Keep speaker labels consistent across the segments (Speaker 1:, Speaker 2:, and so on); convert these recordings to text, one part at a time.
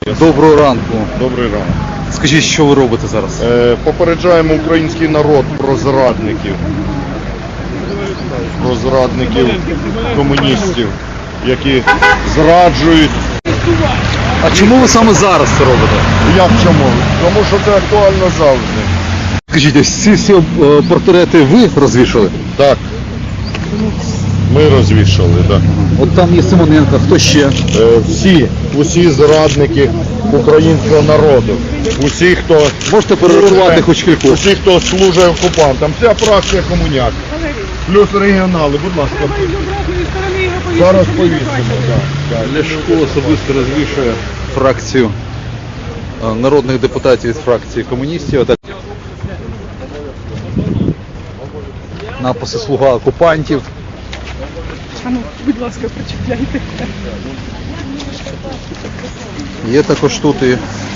Speaker 1: Доброго ранку.
Speaker 2: Добрий ранок.
Speaker 1: Скажіть, що ви робите зараз?
Speaker 2: Попереджаємо український народ про зрадників. Про зрадників комуністів, які зраджують.
Speaker 1: А чому ви саме зараз це робите?
Speaker 2: Як чому? Тому що це актуально завжди.
Speaker 1: Скажіть, ось ці всі портрети ви розвішали?
Speaker 2: Так. Ми розвішали, так.
Speaker 1: От там є Симоненко, хто ще?
Speaker 2: Усі зрадники українського народу. Усі, хто
Speaker 1: Можете перерахувати хоч кількох?
Speaker 2: усі, хто служить окупантам. Вся фракція комуняк. Плюс регіонали, будь ласка. Зараз повісимо.
Speaker 1: Ляшко особисто розвішує фракцію народних депутатів від фракції комуністів. Отак. Написи «Слуга окупантів».
Speaker 3: Ну, будь ласка, прочитайте.
Speaker 1: Є також тут і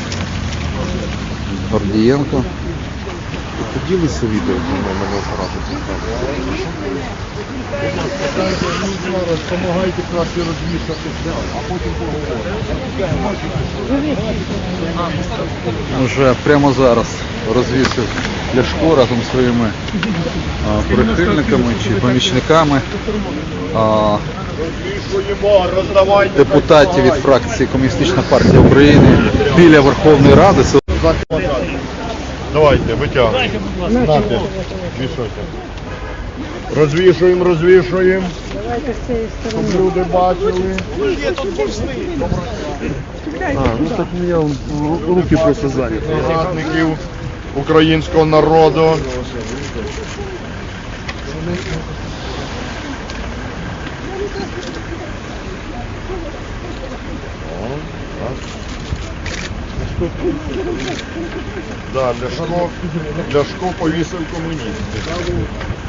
Speaker 1: Гордієнко.
Speaker 2: Поділися відео, мене зараз допомагайте краще розвішати, а потім поговоримо.
Speaker 1: Вже прямо зараз розвісив Ляшко разом зі своїми прихильниками чи помічниками депутатів від фракції Комуністична партія України біля Верховної Ради.
Speaker 2: Давайте, витягуйте. Нате, вішайте. Розвішуємо.
Speaker 3: Давайте з цієї сторони.
Speaker 2: Щоб люди бачили.
Speaker 4: Так у меня руки просто заняты.
Speaker 2: Зрадників українського народу. Да, Ляшко повісив комуністів.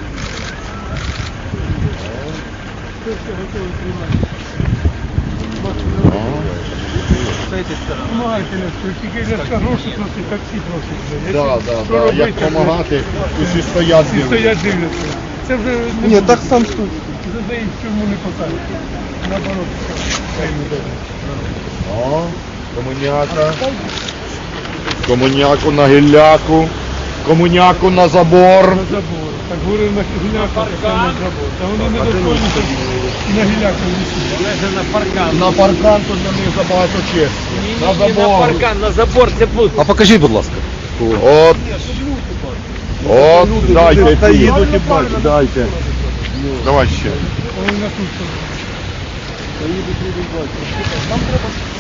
Speaker 2: Да, як допомагати, усі стоять дивляться.
Speaker 3: Це вже
Speaker 4: Ні, так сам тут.
Speaker 3: задають, чому не посадять. Наоборот, хай не дають.
Speaker 2: О, комуняка. Комуняку на гілляку. Комуняку на забор.
Speaker 3: На забор. Так говорив на гіляку, так на забор. Та вони не доходять і на гіляку висіли.
Speaker 2: На паркан тут на них забагато честі. На забор.
Speaker 5: На забор це буде.
Speaker 1: А покажіть, будь ласка.
Speaker 2: От, дайте
Speaker 4: Та
Speaker 2: ці.
Speaker 4: їдуть і бачать.
Speaker 2: Дайте. Давай ще.
Speaker 3: Вони на тут.
Speaker 4: Та їдуть люди бачать.